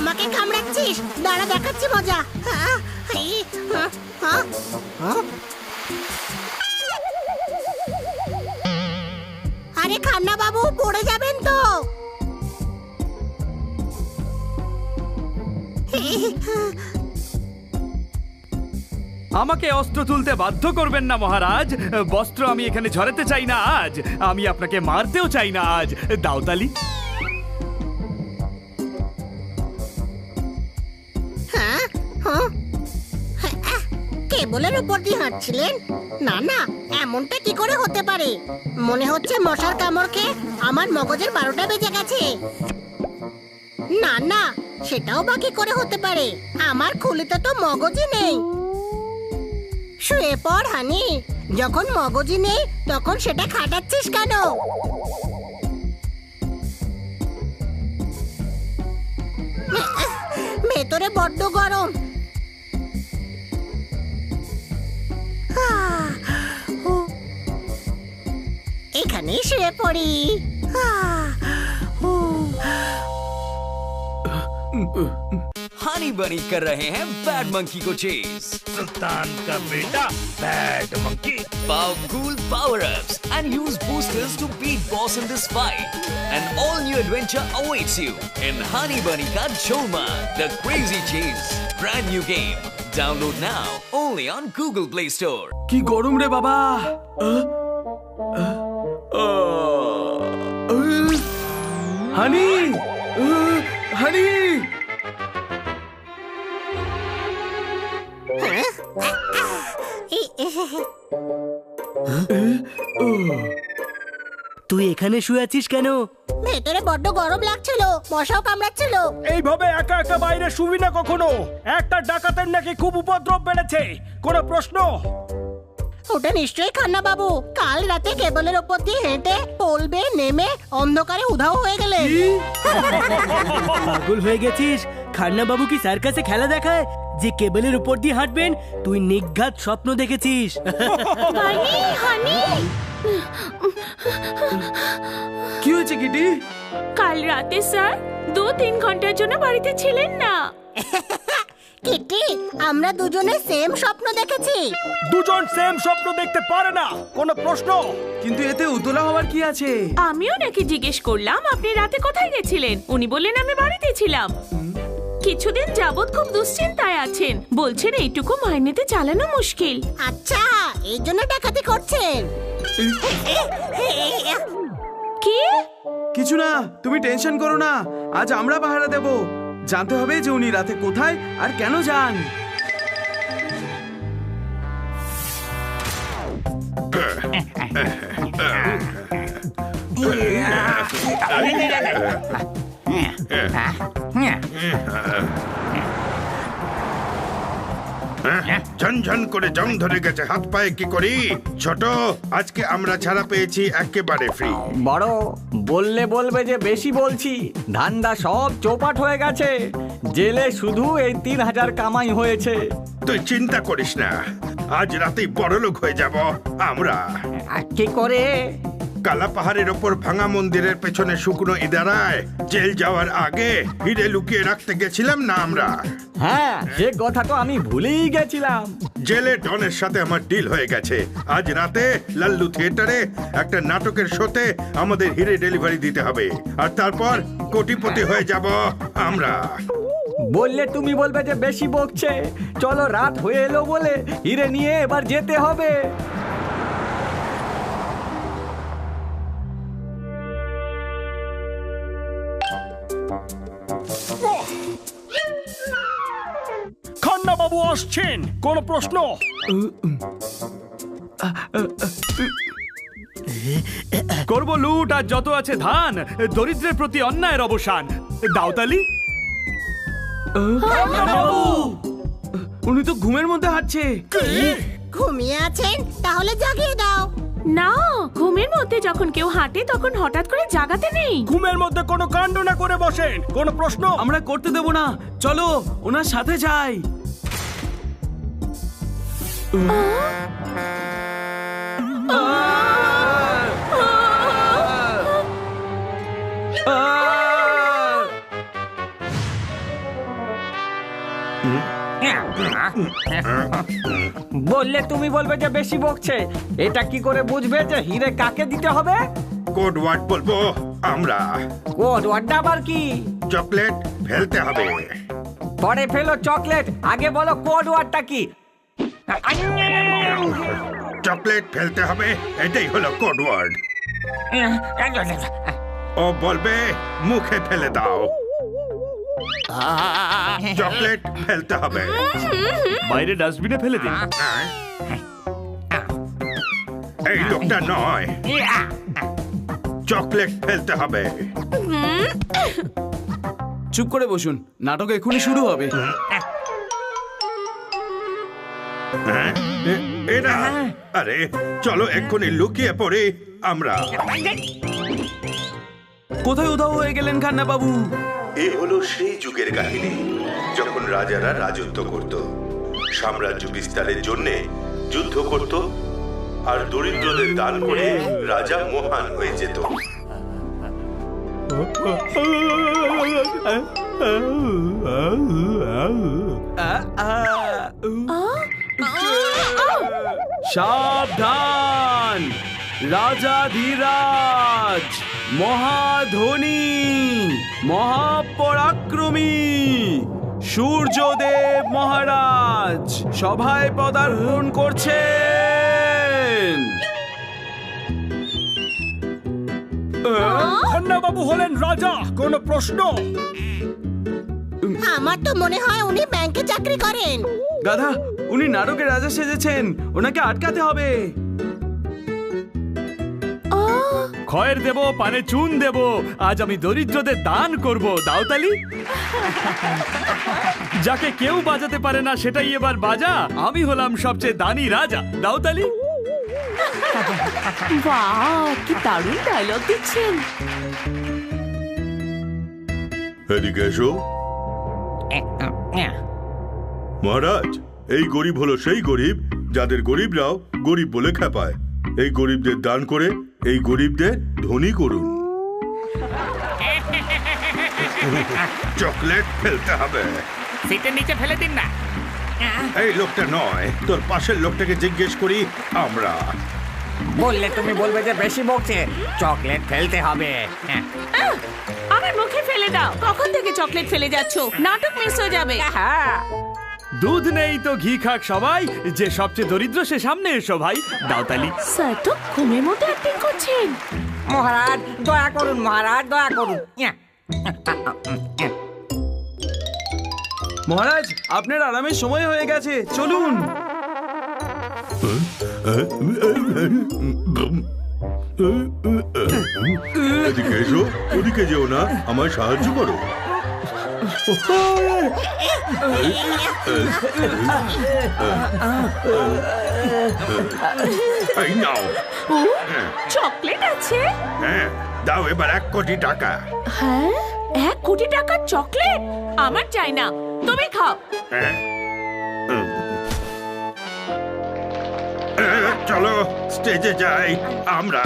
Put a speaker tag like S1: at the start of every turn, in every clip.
S1: আমাকে কামড়াচ্ছিস, দাঁড়া দেখাচ্ছি মজা। আরে খান্না বাবু, পড়ে যাবেন তো।
S2: আমাকে অস্ত্র তুলতে বাধ্য করবেন না মহারাজ। বস্ত্র আমি এখানে ঝরাতে চাই না আজ, আমি আপনাকে মারতেও চাই না আজ। দাওতালি।
S1: কেবলের উপর দিয়ে হাঁটছিলেন? না না, এমনটা কি করে হতে পারে? মনে হচ্ছে মশার কামড় খেয়ে আমার মগজের 12টা বেজে গেছে। না না, সেটাও বাকি করে হতে পারে, আমার খুলিতে তো মগজই নেই। শুয়ে পড় হানি, যখন মগজই নেই তখন সেটা খাটাচ্ছিস কেন? ভেতরে বড্ড গরম। এখানেই শুয়ে পড়ি।
S3: हनी बनी कर रहे हैं बैड मंकी को चेज।
S4: सुल्तान का बेटा bad monkey.
S3: Powerful power-ups and use boosters to beat boss in this fight. An all-new adventure awaits you in Honey Bunny Ka Choma, the Crazy Chase. Brand new game. Download now only on Google Play Store.
S2: কি গরম রে বাবা। হানি, হানি।
S5: তুই এখানে শুয়ে আছিস কেন?
S1: ভেতরে বড্ড গরম লাগছিল, মশাও কামড়াচ্ছিল।
S4: এইভাবে একা একা বাইরে শুবি না কখনো। একটা ডাকাতের নাকি খুব উপদ্রব বেড়েছে। কোনো প্রশ্ন?
S1: ওটা নিশ্চয়ই খান্না বাবু। কাল রাতে কেবলের ওপর দিয়ে হেঁটে পলবে নেমে অন্ধকারে উধাও হয়ে গেলেন।
S5: পাগল হয়ে গেছিস? খান্না বাবু কি সার্কাসে খেলা দেখায় যে কেবলের উপর দিয়ে হাঁটবেন? তুই নিঘাত স্বপ্ন দেখেছিস।
S2: কি হয়েছে কিটি?
S6: কাল রাতে স্যার 2-3 ঘন্টার জন্য বাড়িতে ছিলেন না।
S1: কিটি, আমরা দুজনে সেম স্বপ্ন দেখেছি।
S4: দুজন সেম স্বপ্ন দেখতে পারে না, কোনো প্রশ্ন?
S2: কিন্তু এতে উতলা হওয়ার কি আছে?
S6: আমিও নাকি জিজ্ঞেস করলাম আপনি রাতে কোথায় গেছিলেন, উনি বললেন আমি বাড়িতে ছিলাম। কিছুদিন যাবত খুব দুশ্চিন্তায় আছেন, বলছেন এইটুকু মাইনেতে চালানো মুশকিল।
S1: আচ্ছা, এই জন্য ডাকাতি করছেন?
S6: কি?
S2: কিছু না, তুমি টেনশন করো না। আজ আমরা পাহারা দেব। জানতে হবে যে উনি রাতে কোথায় আর কেন যান।
S7: ঝনঝন করে জং ধরে গেছে হাত পায়ে, কি করি? ছোট, আজকে আমরা ছাড়া পেয়েছি একেবারে ফ্রি।
S8: বড় বললে বলবে যে বেশি বলছি, ধান্দা সব চৌপাট হয়ে গেছে। জেলে শুধু এই 3000 কামাই হয়েছে।
S7: তুই চিন্তা করিস না, আজ রাতেই বড়লোক হয়ে যাব আমরা।
S8: কি করে?
S7: কালা পাহাড়ের ওপর ভাঙা মন্দিরের পেছনে শুকনো ইদারায় জেল যাওয়ার আগে হিরে লুকিয়ে রাখতে গেছিলাম না আমরা?
S8: হ্যাঁ, সে কথা তো আমি ভুলেই গেছিলাম।
S7: জেলে ডনের সাথে আমার ডিল হয়ে গেছে। আজ রাতে লাল্লু থিয়েটারে একটা নাটকের শোতে আমাদের হিরে ডেলিভারি দিতে হবে, আর তারপর কোটিপতি হয়ে যাব আমরা।
S8: বললে তুমি বলবে যে বেশি বকছে। চলো, রাত হয়ে এলো বলে হিরে নিয়ে এবার যেতে হবে।
S4: খান্না বাবু আসছেন, কোনো প্রশ্ন?
S2: করব লুট আর যত আছে ধান, দরিদ্রের প্রতি অন্যায়ের অবসান। দাওতালি। উনি তো ঘুমের মধ্যে হাঁটছে।
S1: ঘুমিয়ে আছেন? তাহলে জাগিয়ে দাও।
S6: না, ঘুমের মধ্যে যখন কেউ হাঁটে তখন হঠাৎ করে জাগাতে নেই।
S4: ঘুমের মধ্যে কোনো কাণ্ড না করে বসেন, কোনো প্রশ্ন?
S2: আমরা করতে দেব না, চলো ওনার সাথে যাই।
S8: বললে তুমি বলবে যে বেশি বকছে। এটা কি করে বুঝবে যে হিরে কাকে দিতে হবে?
S7: কোড ওয়ার্ড বলবো আমরা।
S8: কোড ওয়ার্ডটা আবার কি?
S7: চকলেট ফেলতে হবে।
S8: পরে ফেলো চকলেট, আগে বলো কোড ওয়ার্ডটা কি?
S7: চকলেট ফেলতে হবে, এটাই হলো কোড ওয়ার্ড। ও বলবে মুখে ফেলে দাও। চকলেট ফেলতে হবে।
S2: বাইরে ডাস্টবিনে ফেলে দিন।
S7: এই লোকটা নয়, চকলেট ফেলতে হবে।
S9: চুপ করে বসুন, নাটক এখনই শুরু হবে।
S7: এরা আরে চলো এক্ষুনি লুকিয়ে পড়ে আমরা।
S9: কোথায় উধাও হয়ে গেলেন খান্না বাবু?
S10: এ হলো সেই যুগের কাহিনী যখন রাজারা রাজত্ব করত, সাম্রাজ্য বিস্তারের জন্য যুদ্ধ করত, আর দরিদ্রদের দান করে রাজা মহান হয়ে যেত।
S9: সাবধান! রাজা ধীরাজ, মহাধনী, মহাপরাক্রমী সূর্যদেব মহারাজ সভায় পদার্পণ করছেন।
S4: খান্না বাবু হলেন রাজা, কোনো প্রশ্ন?
S1: আমার তো মনে হয় উনি ব্যাংকে চাকরি করেন।
S9: গাধা, উনি নাটকের রাজা সেজেছেন, ওনাকে আটকাতে হবে।
S2: খয়ের দেব, পানে চুন দেব, আজ আমি দরিদ্রদের দান করব। দাওতালি, যাকে কেউ বাজাতে পারে না সেটাই এবার বাজা। আমি হলাম সবচেয়ে দানি রাজা। দাওতালি।
S6: বাহ, কি দারুণ ডায়লগ দিচ্ছেন।
S10: এদিকে এসো। মহারাজ, এই গরিব হলো সেই গরিব যাদের গরিবরাও গরিব বলে খেপায়। এই গরিবদের দান করে এই গরিবদের ধনী করুন।
S7: চকলেট ফেলতে হবে।
S5: সিটের নিচে ফেলে দিন না।
S7: এই লোকটা নয়, তোর পাশের লোকটাকে জিজ্ঞেস করি আমরা।
S8: বললে তুমি বলবে যে বেশি বকছে। চকলেট ফেলতে হবে।
S6: আমার মুখে ফেলে দাও। কখন থেকে চকলেট ফেলে যাচ্ছ? নাটক মিস হয়ে যাবে।
S8: হ্যাঁ,
S2: দুধ নেই তো ঘি খাক সবাই, যে সবচেয়ে দরিদ্র সে সামনে এসো ভাই। দাওতালি।
S6: স্যার তো ঘুমের মতো অ্যাক্টিং করছেন।
S8: মহারাজ দয়া করুন, মহারাজ দয়া করুন।
S9: মহারাজ, আপনার আরামের সময় হয়ে গেছে, চলুন।
S10: এদিকে এসো, ওদিকে যেও না, আমায় সাহায্য করো।
S7: এই নাও।
S6: চকলেট আছে?
S7: হ্যাঁ, দাও এবার 1 কোটি টাকা।
S6: হ্যাঁ, 1 কোটি টাকার চকলেট আমার চাই না, তুমি খাও।
S7: হ্যাঁ। চলো স্টেজে যাই আমরা।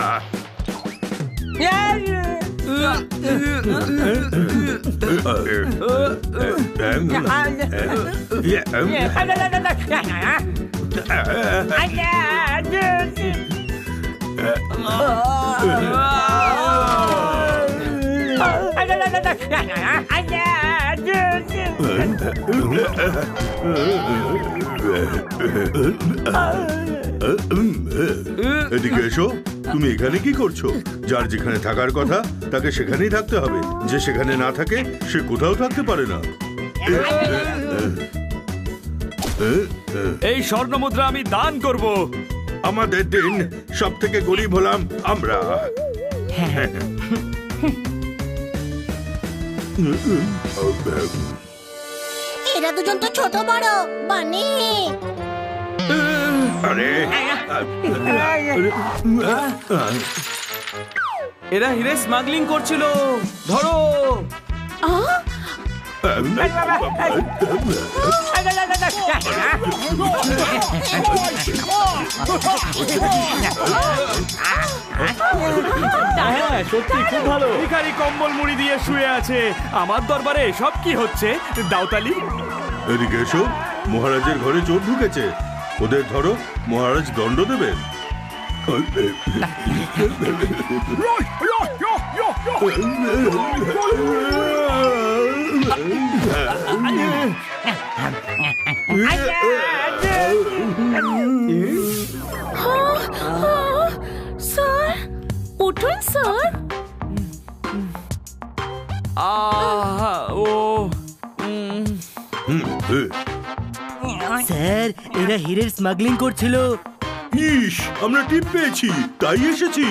S10: এদিকে এসো। তুমি এখানে কি করছো? যার যেখানে থাকার কথা তাকে সেখানেই থাকতে হবে, যে সেখানে না থাকে সে কোথাও থাকতে পারে না।
S2: এই স্বর্ণ মুদ্রা আমি দান করব।
S7: আমাদের দিন সব থেকে গরিব হলাম আমরা।
S1: এরা দুজন তো ছোট বড় বানি।
S7: আরে
S9: এরা হিরে স্মাগলিং করছিল, ধরো।
S2: হ্যাঁ, সত্যি খুব ভালো। ভিখারি কম্বল মুড়ি দিয়ে শুয়ে আছে। আমার দরবারে সব কি হচ্ছে? দাওতালি।
S7: এদিকে এসো, মহারাজের ঘরে চোর ঢুকেছে। ওদের ধরো, মহারাজ দণ্ড দেবেন।
S6: স্যার উঠুন স্যার।
S2: ও
S5: স্যার এরা হীরের স্মাগলিং করছিল।
S7: ইস, আমরা টিপ পেয়েছি, তাই এসেছি।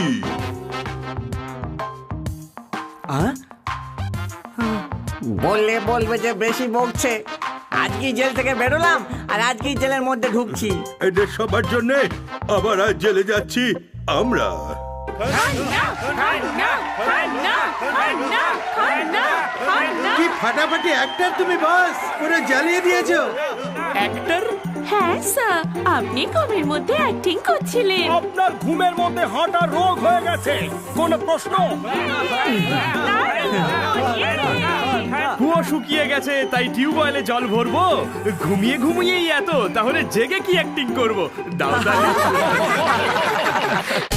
S8: বললে বলবে যে বেশি বকছে। আজকেই জেল থেকে বেরোলাম আর আজকেই জেলের মধ্যে ঢুকছি।
S7: এদের সবার জন্য আবার আজ জেলে যাচ্ছি আমরা।
S11: কি ফাটাফাটি অ্যাক্টর তুমি বস, পুরো জ্বালিয়ে দিয়েছো।
S6: হ্যাঁ স্যার, আপনি ঘুমের মধ্যে অ্যাক্টিং করছিলেন।
S4: আপনার ঘুমের মধ্যে হাঁটা রোগ হয়ে গেছে, কোনো প্রশ্ন?
S2: কুয়ো শুকিয়ে গেছে, তাই টিউবওয়েলে জল ভরবো। ঘুমিয়ে ঘুমিয়েই এত, তাহলে জেগে কি অ্যাক্টিং করবো? দাও দাও।